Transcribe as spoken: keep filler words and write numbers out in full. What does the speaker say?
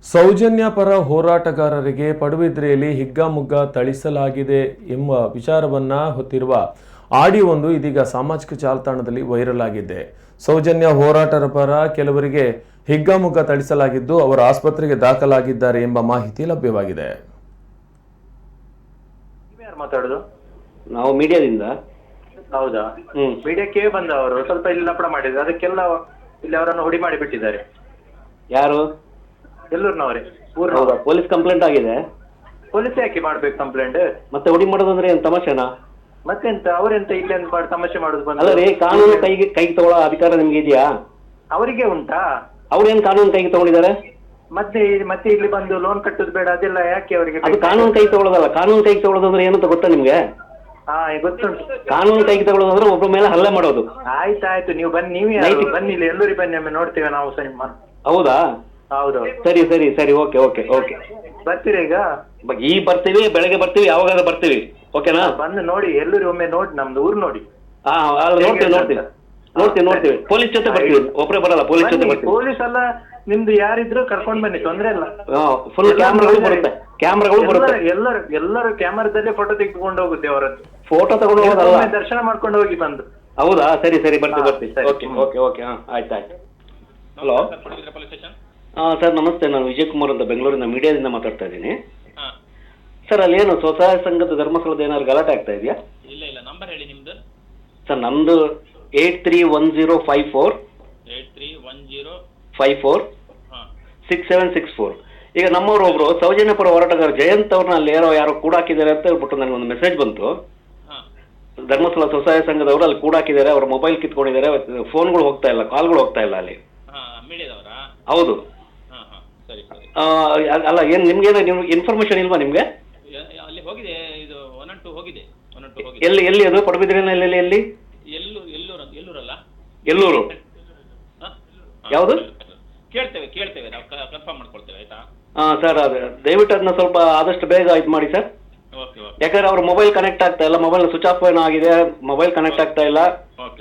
ಸೌಜನ್ಯ ಪರ ಹೋರಾಟಗಾರರಿಗೆ ಪಡುಬಿದ್ರೆಯಲ್ಲಿ ಹಿಗ್ಗಾಮುಗ್ಗಾ ಥಳಿಸಲಾಗಿದೆ ಎಂಬ ವಿಚಾರವನ್ನ ಹೊತ್ತಿರುವ ಆಡಿಯೋವೊಂದು ಇದೀಗ ಸಾಮಾಜಿಕ ಜಾಲತಾಣದಲ್ಲಿ ವೈರಲ್ ಆಗಿದೆ. ಸೌಜನ್ಯ ಹೋರಾಟರ ಪರ ಕೆಲವರಿಗೆ ಹಿಗ್ಗಾಮುಗ್ಗಾ ಥಳಿಸಲಾಗಿದ್ದು ಅವರು ಆಸ್ಪತ್ರೆಗೆ ದಾಖಲಾಗಿದ್ದಾರೆ ಎಂಬ ಮಾಹಿತಿ ಲಭ್ಯವಾಗಿದೆ. ಯಾರು ಮಾತಾಡೋದು? ನಾವು ಮೀಡಿಯಾದಿಂದ. ಹೌದಾ? ಹ್ಮ್. ಮೀಡಿಯಾಕ್ಕೆ ಬಂದವರು ಸ್ವಲ್ಪ ಇಲ್ಲಿ ಲಪಡ ಮಾಡಿದ್ರು, ಅದಕ್ಕೆಲ್ಲ ಇಲ್ಲಿ ಅವರನ್ನು ಹುಡಿ ಮಾಡಿ ಬಿಟ್ಟಿದ್ದಾರೆ. ಯಾರು? ಎಲ್ಲೂರ್ನವರೇ, ಊರ್ನವರು. ಹೌದಾ? ಪೊಲೀಸ್ ಕಂಪ್ಲೇಂಟ್ ಆಗಿದೆ. ಪೊಲೀಸ್ ಯಾಕೆ ಮಾಡ್ಬೇಕು ಕಂಪ್ಲೇಂಟ್? ಮತ್ತೆ ಹುಡಿ ಮಾಡೋದಂದ್ರೆ ಏನ್ ತಮಾಷೆನಾ? ಮತ್ತೆಂತ ಅವರೆಂತ ಇಲ್ಲಿ ಅಂತ ಮಾಡಿ ತಮಾಷೆ ಮಾಡೋದು ಬಂದು? ಅಲ್ಲ ರೀ, ಕಾನೂನು ಕೈಗೆ ಕೈಗೆ ತಗೊಳ್ಳೋ ಅಧಿಕಾರ ನಿಮ್ಗೆ ಇದೆಯಾ? ಅವರಿಗೆ ಉಂಟಾ? ಅವ್ರೇನ್ ಕಾನೂನು ಕೈಗೆ ತಗೊಂಡಿದ್ದಾರೆ? ಮತ್ತೆ ಮತ್ತೆ ಇಲ್ಲಿ ಬಂದು ಲೋನ್ ಕಟ್ಟೋದು ಬೇಡ ಅದೆಲ್ಲ ಯಾಕೆ ಅವರಿಗೆ? ಅದು ಕಾನೂನು ಕೈಗೆ ತಗೊಳ್ಳೋದಲ್ಲ. ಕಾನೂನು ಕೈಗೆ ತಗೊಳ್ಳೋದಂದ್ರೆ ಏನಂತ ಗೊತ್ತಾ ನಿಮ್ಗೆ? ಹಾ, ಗೊತ್ತುಂಟು. ಕಾನೂನು ಕೈಗೆ ತಗೊಳ್ಳೋದಂದ್ರೆ ಒಬ್ಬರ ಮೇಲೆ ಹಲ್ಲೆ ಮಾಡೋದು. ಆಯ್ತಾಯ್ತು, ನೀವು ಬನ್ನಿ, ನೀವೇ ಯಾರು? ಬನ್ನಿ ಇಲ್ಲಿ, ಎಲ್ಲರಿಗೆ ಬನ್ನಿ, ಒಮ್ಮೆ ನೋಡ್ತೇವೆ ನಾವು ಸಹ ನಿಮ್ಮ. ಹೌದಾ? ಹೌದು. ಸರಿ ಸರಿ ಸರಿ, ಓಕೆ ಓಕೆ ಓಕೆ. ಬರ್ತೀರಾ ಈಗ? ಈ ಬರ್ತೀವಿ, ಬೆಳಗ್ಗೆ ಬರ್ತೀವಿ, ಯಾವಾಗಾದ್ರೂ ಬರ್ತೀವಿ. ಓಕೆನಾ? ಬಂದು ನೋಡಿ, ಎಲ್ಲರೂ ಒಮ್ಮೆ ನೋಡಿ, ನಮ್ದು ಊರು ನೋಡಿ. ಹಾ, ಅಲ್ಲಿ ನೋಡ್ತೀವಿ ನೋಡ್ತೀವಿ ನೋಡ್ತೀವಿ ನೋಡ್ತೀವಿ ಪೊಲೀಸ್ ಜೊತೆ ಬರ್ತೀವಿ. ಒಬ್ಬರೇ ಬರಲ್ಲ, ಪೊಲೀಸ್ ಜೊತೆ ಬರ್ತೀವಿ. ಪೊಲೀಸ್ ಅಲ್ಲ, ನಿಮ್ದು ಯಾರಿದ್ರು ಕರ್ಕೊಂಡ್ ಬನ್ನಿ, ತೊಂದ್ರೆ ಇಲ್ಲ. ಫುಲ್ ಕ್ಯಾಮ್ರಾಗಳು ಬರುತ್ತೆ, ಕ್ಯಾಮ್ರಾಗಳು ಬರುತ್ತೆ. ಎಲ್ಲರೂ ಎಲ್ಲರೂ ಕ್ಯಾಮರಾದಲ್ಲೇ ಫೋಟೋ ತೆಗೆದುಕೊಂಡು ಹೋಗುತ್ತೆ ಅವರದ್ದು. ಫೋಟೋ ತಗೊಂಡು ಹೋಗೋದಲ್ಲ, ದರ್ಶನ ಮಾಡ್ಕೊಂಡು ಹೋಗಿ ಬಂದು. ಹೌದಾ? ಸರಿ ಸರಿ, ಬರ್ತೀವಿ ಹಾ, ಬರ್ತೀವಿ. ಸರಿ. Okay okay okay. ಹಾ, ಆಯ್ತು ಆಯ್ತು. ಹಲೋ. ಹಾಂ ಸರ್, ನಮಸ್ತೆ. ನಾನು ವಿಜಯ್ ಕುಮಾರ್ ಅಂತ ಬೆಂಗಳೂರಿನ ಮೀಡಿಯಾದಿಂದ ಮಾತಾಡ್ತಾ ಇದ್ದೀನಿ. ಸರ್, ಅಲ್ಲಿ ಏನು ಸ್ವಸಹಾಯ ಸಂಘದ ಧರ್ಮಸ್ಥಳದ ಏನಾದ್ರು ಗಲಾಟೆ ಆಗ್ತಾ ಇದೆಯಾ? ಇಲ್ಲ ಇಲ್ಲ, ನಂಬರ್ ಹೇಳಿ ನಿಮ್ದು. ಸರ್, ನಮ್ದು eight three one zero five four eight three one zero five four ಹಾಂ ಸಿಕ್ಸ್ ಸೆವೆನ್ ಸಿಕ್ಸ್ ಫೋರ್. ಈಗ ನಮ್ಮವರು ಒಬ್ರು ಸೌಜನ್ಯ ಪರ ಹೋರಾಟಗಾರ ಜಯಂತ್ ಅವ್ರನ್ನ ಅಲ್ಲಿ ಯಾರೋ ಯಾರೋ ಕೂಡಾಕಿದ್ದಾರೆ ಅಂತ ಹೇಳ್ಬಿಟ್ಟು ನನಗೆ ಒಂದು ಮೆಸೇಜ್ ಬಂತು. ಹಾಂ ಧರ್ಮಸ್ಥಳ ಸ್ವಸಹಾಯ ಸಂಘದವರು ಅಲ್ಲಿ ಕೂಡಾಕಿದ್ದಾರೆ, ಅವ್ರ ಮೊಬೈಲ್ ಕಿತ್ಕೊಂಡಿದ್ದಾರೆ, ಫೋನ್ಗಳು ಹೋಗ್ತಾ ಇಲ್ಲ, ಕಾಲ್ಗಳು ಹೋಗ್ತಾ ಇಲ್ಲ ಅಲ್ಲಿ. ಹಾಂ, ಮೀಡಿಯಾದವರಾ? ಹೌದು. ಹಾಂ ಹಾಂ, ಸರಿ ಸರಿ. ಆ, ಅಲ್ಲ, ಏನು ನಿಮ್ಗೇನು ನಿಮ್ಗೆ ಇನ್ಫಾರ್ಮೇಶನ್ ಇಲ್ವಾ ನಿಮಗೆ? ಯ- ಅಲ್ಲಿ ಹೋಗಿದೆ, ಇದು ಒನ್ ಅಂಡ್ ಟು ಹೋಗಿದೆ, ಒನ್ ಅಂಡ್ ಟು ಹೋಗಿದೆ. ಎಲ್ಲಿ ಎಲ್ಲಿ ಅದು ಪಡುಬಿದ್ರೆನಲ್ಲಿ? ಎಲ್ಲಿ ಎಲ್ಲಿ? ಎಲ್ಲೂ ಎಲ್ಲೂರು ಅಂತ ಎಲ್ಲೂರಲ್ಲ? ಎಲ್ಲೂರು. ಹಾಂ, ಯಾವುದು? ಕೇಳ್ತೇವೆ ಕೇಳ್ತೇವೆ, ನಾವು ಕನ್ಫರ್ಮ್ ಮಾಡ್ಕೊಳ್ತೇವೆ, ಆಯ್ತಾ? ಹಾಂ ಸರ್, ಅದು ದಯವಿಟ್ಟು ಅದನ್ನ ಸ್ವಲ್ಪ ಆದಷ್ಟು ಬೇಗ ಇದು ಮಾಡಿ ಸರ್. ಓಕೆ ಓಕೆ ಯಾಕಂದ್ರೆ ಅವ್ರ ಮೊಬೈಲ್ ಕನೆಕ್ಟ್ ಆಗ್ತಾ ಇಲ್ಲ, ಮೊಬೈಲ್ ಸ್ವಿಚ್ ಆಫ್ ಏನೋ ಆಗಿದೆ, ಮೊಬೈಲ್ ಕನೆಕ್ಟ್ ಆಗ್ತಾ ಇಲ್ಲ. ಓಕೆ